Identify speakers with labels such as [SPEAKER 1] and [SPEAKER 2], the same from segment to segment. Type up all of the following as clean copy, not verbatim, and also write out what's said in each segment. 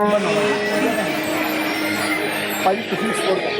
[SPEAKER 1] ਭਾਈ ਤੁਸੀਂ support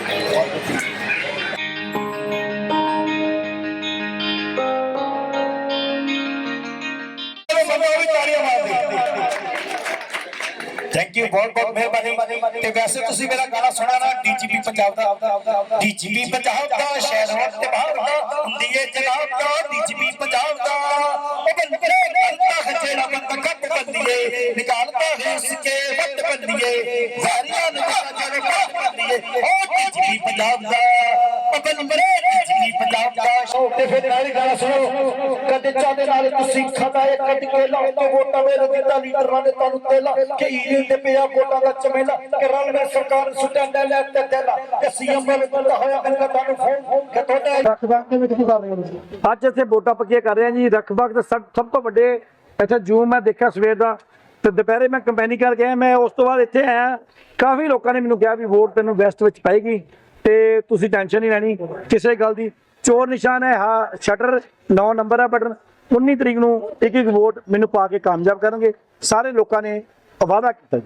[SPEAKER 2] thank you बहुत बहुत मेहरबानी। ते वैसे तुसी मेरा गाना सुना ना डीजीपी पंजाब दा डीजीपी पंजाब दा शहर होत ते बाहर दा हुंदी है जनाब दा डीजीपी पंजाब दा ओ बंदे करता है जेड़ा बंदा कट बंदिए निकालता है उसके वट बंदिए वारियां नु जेड़े कट बंदिए ओ डीजीपी पंजाब दा ओ बंदे डीजीपी पंजाब दा
[SPEAKER 1] ਤੇ ਫਿਰ ਨਾਲ ਹੀ ਗਾਣਾ ਸੁਣੋ। ਕਦੇ ਚਾਹਦੇ ਨਾਲ ਤੁਸੀਂ ਖਾਦਾ ਇਹ ਕੱਢ ਕੇ ਲਾਓ ਤੇ ਵੋਟਾਂ ਮੇਰੇ ਦਿੱਤਾ ਲੀਡਰਾਂ ਨੇ ਤੁਹਾਨੂੰ ਤੇਲਾ ਕਿ ਈਲ ਤੇ ਪਿਆ ਵੋਟਾਂ ਦਾ ਚਮੇਲਾ ਕਿ ਰਲ ਵਿੱਚ ਸਰਕਾਰ ਸੁਟੈਂਡਾ ਲੈ ਤੇ ਦੇਲਾ ਕਿ ਸੀਐਮ ਵੱਲ ਬੰਦਾ ਹੋਇਆ ਕਹਿੰਦਾ ਤੁਹਾਨੂੰ ਫੋਨ ਕਿ ਤੁਹਾਡਾ ਰੱਖਬਾਗ ਦੇ ਵਿੱਚ ਕੀ ਕਰ ਰਹੇ ਹੋ ਅੱਜ ਇੱਥੇ ਵੋਟਾਂ ਪੱਕੀਆਂ ਕਰ ਰਹੇ ਆ ਜੀ। ਰੱਖਬਾਗ ਦੇ ਸਭ ਤੋਂ ਵੱਡੇ ਇੱਥੇ ਜੂਮ ਮੈਂ ਦੇਖਿਆ ਸਵੇਰ ਦਾ ਤੇ ਦੁਪਹਿਰੇ ਮੈਂ ਕੰਪੇਨਿੰਗ ਕਰਕੇ ਆਇਆ। ਮੈਂ ਉਸ ਤੋਂ ਬਾਅਦ ਇੱਥੇ ਆਇਆ, ਕਾਫੀ ਲੋਕਾਂ ਨੇ ਮੈਨੂੰ ਕਿਹਾ ਵੀ ਵੋਟ ਤੈਨੂੰ ਵੈਸਟ ਵਿੱਚ ਪਾਏਗੀ ਤੇ ਤੁਸੀਂ ਟੈਨਸ਼ਨ ਨਹੀਂ ਲੈਣੀ ਕਿਸੇ ਗੱਲ ਦੀ। ਚੋਰ ਨਿਸ਼ਾਨ ਹੈ ਹਾਂ ਸ਼ਟਰ 9 ਨੰਬਰ ਹੈ ਬਟਨ 19 ਤਰੀਕ ਨੂੰ ਇੱਕ ਵੋਟ ਮੈਨੂੰ ਪਾ ਕੇ ਕਾਮਯਾਬ ਕਰਨਗੇ। ਸਾਰੇ ਲੋਕਾਂ ਨੇ ਵਾਅਦਾ ਕੀਤਾ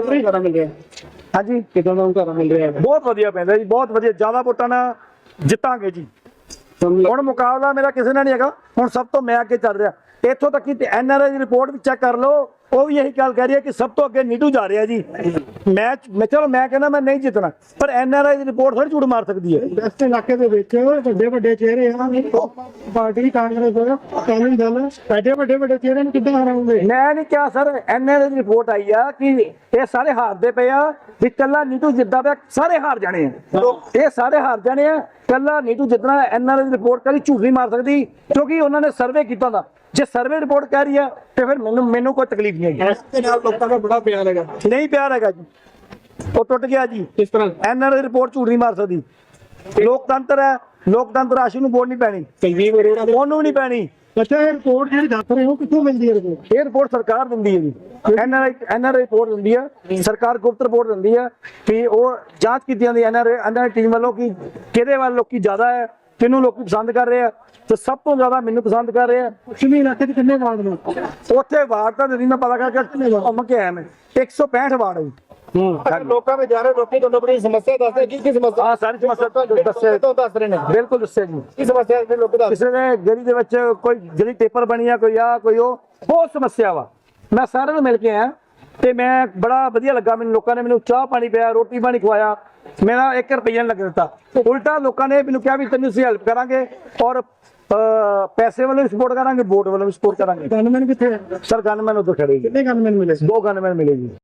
[SPEAKER 1] ਜੀ। ਹਾਂਜੀ ਕਿਦਾਂ ਦਾ ਘਰ ਮਿਲ ਰਿਹਾ? ਬਹੁਤ ਵਧੀਆ ਪੈਂਦਾ ਜੀ, ਬਹੁਤ ਵਧੀਆ, ਜ਼ਿਆਦਾ ਵੋਟਾਂ ਨਾਲ ਜਿੱਤਾਂਗੇ ਜੀ। ਹੁਣ ਮੁਕਾਬਲਾ ਮੇਰਾ ਕਿਸੇ ਨਾਲ ਨਹੀਂ ਹੈਗਾ, ਹੁਣ ਸਭ ਤੋਂ ਮੈਂ ਅੱਗੇ ਚੱਲ ਰਿਹਾ। ਇੱਥੋਂ ਤੱਕ ਕਿ ਐਨਆਰਆਈ ਦੀ ਰਿਪੋਰਟ ਵੀ ਚੈੱਕ ਕਰ ਲਓ, ਉਹ ਵੀ ਇਹੀ ਗੱਲ ਕਹਿ ਰਹੀ ਹੈ ਕਿ ਸਭ ਤੋਂ ਅੱਗੇ ਨੀਟੂ ਜਾ ਰਿਹਾ ਜੀ। ਮੈਂ ਚਲੋ ਮੈਂ ਕਹਿੰਦਾ ਮੈਂ ਨਹੀਂ ਜਿੱਤਣਾ, ਪਰ ਐਨਆਰਆਈ ਦੀ ਰਿਪੋਰਟ ਥੋੜੀ ਝੂਠ ਮਾਰ ਸਕਦੀ ਹੈ।
[SPEAKER 3] ਵੈਸਟ ਇਲਾਕੇ ਦੇ ਵਿੱਚ ਵੱਡੇ ਵੱਡੇ ਚਿਹਰੇ ਆ, ਪਾਰਟੀ ਕਾਂਗਰਸ ਅਕਾਲੀ ਦਲ, ਐਡੇ ਵੱਡੇ ਚਿਹਰੇ ਨੂੰ ਕਿੱਦਾਂ ਹਰਾਉਂਗੇ?
[SPEAKER 1] ਮੈਂ ਨਹੀਂ ਕਿਹਾ ਸਰ, ਐਨਆਰਆਈ ਦੀ ਰਿਪੋਰਟ ਆਈ ਆ ਕਿ ਇਹ ਸਾਰੇ ਹਾਰਦੇ ਪਏ ਆ, ਵੀ ਕੱਲਾ ਨੀਟੂ ਜਿੱਦਾਂ ਪਿਆ ਸਾਰੇ ਹਾਰ ਜਾਣੇ ਆ। ਇਹ ਸਾਰੇ ਹਾਰ ਜਾਣੇ ਆ, ਕੱਲਾ ਨੀਟੂ ਜਿੱਤਣਾ। ਐਨਆਰਆਈ ਦੀ ਰਿਪੋਰਟ ਕਦੀ ਝੂਠ ਨਹੀਂ ਮਾਰ ਸਕਦੀ ਕਿਉਂਕਿ ਉਹਨਾਂ ਨੇ ਸਰਵੇ ਕੀਤਾ ਦਾ। ਜੇ ਸਰਵੇ ਰਿਪੋਰਟ ਕਹਿ ਰਹੀ ਹੈ ਤੇ ਫਿਰ ਮੈਨੂੰ ਕੋਈ ਤਕਲੀਫ ਨਹੀਂ ਹੈਗੀ।
[SPEAKER 3] ਇਸ ਦੇ ਨਾਲ ਲੋਕਾਂ ਦਾ ਬੜਾ ਪਿਆਰ ਹੈਗਾ।
[SPEAKER 1] ਨਹੀਂ ਪਿਆਰ ਹੈਗਾ ਜੀ, ਉਹ ਟੁੱਟ ਗਿਆ ਜੀ।
[SPEAKER 3] ਕਿਸ ਤਰ੍ਹਾਂ?
[SPEAKER 1] ਐਨਆਰਆਈ ਰਿਪੋਰਟ ਝੂਠ ਨਹੀਂ ਮਾਰ ਸਕਦੀ। ਲੋਕਤੰਤਰ ਹੈ, ਲੋਕਤੰਤਰ ਆਸ਼ੂ ਨੂੰ ਵੋਟ ਨਹੀਂ ਪੈਣੀ, ਉਹਨੂੰ ਨਹੀਂ ਪੈਣੀ।
[SPEAKER 3] ਅੱਛਾ, ਇਹ ਰਿਪੋਰਟ ਜਿਹੜੀ ਦੱਸ ਰਹੇ ਹੋ ਕਿੱਥੋਂ ਮਿਲਦੀ ਹੈ ਰਿਪੋਰਟ?
[SPEAKER 1] ਇਹ ਰਿਪੋਰਟ ਸਰਕਾਰ ਦਿੰਦੀ ਹੈ ਜੀ। ਐਨਆਰਆਈ ਰਿਪੋਰਟ ਦਿੰਦੀ ਹੈ ਸਰਕਾਰ, ਗੁਪਤ ਰਿਪੋਰਟ ਦਿੰਦੀ ਹੈ ਕਿ ਉਹ ਜਾਂਚ ਕੀਤੀ ਜਾਂਦੀ ਐਨਆਰਆਈ ਟੀਮ ਵੱਲੋਂ ਕਿ ਕਿਹਦੇ ਵੱਲ ਲੋਕੀ ਜ਼ਿਆਦਾ ਹੈ, ਕਿਹਨੂੰ ਲੋਕੀ ਪਸੰਦ ਕਰ ਰਹੇ ਆ। ਤੇ ਸਭ ਤੋਂ ਜ਼ਿਆਦਾ ਮੈਨੂੰ ਪਸੰਦ ਕਰ ਰਹੇ ਆ।
[SPEAKER 3] ਪੱਛਮੀ ਇਲਾਕੇ 'ਚ ਕਿੰਨੇ ਵਾਰਡ ਨੇ?
[SPEAKER 1] ਉੱਥੇ ਵਾਰਡ ਤਾਂ ਨਹੀਂ ਮੈਂ ਪਤਾ ਕਰਕੇ ਘੁੰਮ ਕੇ ਆਇਆ। ਮੈਂ 165 ਵਾਰਡ ਹੈ ਜੀ।
[SPEAKER 3] ਲੋਕਾਂ ਵਿੱਚ ਜਾ ਰਹੇ ਲੋਕੀ ਤੁਹਾਨੂੰ ਆਪਣੀ ਸਮੱਸਿਆ ਦੱਸਦੇ ਕੀ ਸਮੱਸਿਆ?
[SPEAKER 1] ਹਾਂ, ਸਾਰੀ ਸਮੱਸਿਆ ਦੱਸੇ
[SPEAKER 3] ਤੋਂ ਦੱਸ ਰਹੇ ਨੇ।
[SPEAKER 1] ਬਿਲਕੁਲ ਦੱਸਿਆ ਜੀ।
[SPEAKER 3] ਕੀ ਸਮੱਸਿਆ ਦੇ ਲੋਕ ਦੱਸ?
[SPEAKER 1] ਕਿਸੇ ਨੇ ਗਲੀ ਦੇ ਵਿੱਚ ਕੋਈ ਗਲੀ ਟੇਪਰ ਬਣੀ ਆ, ਕੋਈ ਆ ਕੋਈ ਉਹ, ਬਹੁਤ ਸਮੱਸਿਆ ਵਾ। ਮੈਂ ਸਾਰਿਆਂ ਨੂੰ ਮਿਲ ਕੇ ਆਇਆ ਤੇ ਮੈਂ ਬੜਾ ਵਧੀਆ ਲੱਗਾ ਮੈਨੂੰ। ਲੋਕਾਂ ਨੇ ਮੈਨੂੰ ਚਾਹ ਪਾਣੀ ਪਿਆ, ਰੋਟੀ ਪਾਣੀ ਖਵਾਇਆ, ਮੇਰਾ 1 ਰੁਪਈਆ ਨਹੀਂ ਲੱਗ ਦਿੱਤਾ। ਉਲਟਾ ਲੋਕਾਂ ਨੇ ਮੈਨੂੰ ਕਿਹਾ ਵੀ ਤੈਨੂੰ ਅਸੀਂ ਹੈਲਪ ਕਰਾਂਗੇ ਔਰ ਪੈਸੇ ਵੱਲੋਂ ਵੀ ਸਪੋਰਟ ਕਰਾਂਗੇ, ਵੋਟ ਵੱਲੋਂ ਵੀ ਸਪੋਰਟ ਕਰਾਂਗੇ।
[SPEAKER 3] ਗਨਮੈਨ ਕਿੱਥੇ?
[SPEAKER 1] ਸਰ ਗਨਮੈਨ ਉਧਰ ਖੜੇ ਜੀ।
[SPEAKER 3] ਕਿੰਨੇ ਗਨਮੈਨ ਮਿਲੇ?
[SPEAKER 1] 2 ਗਨਮੈਨ ਮਿਲੇ ਜੀ।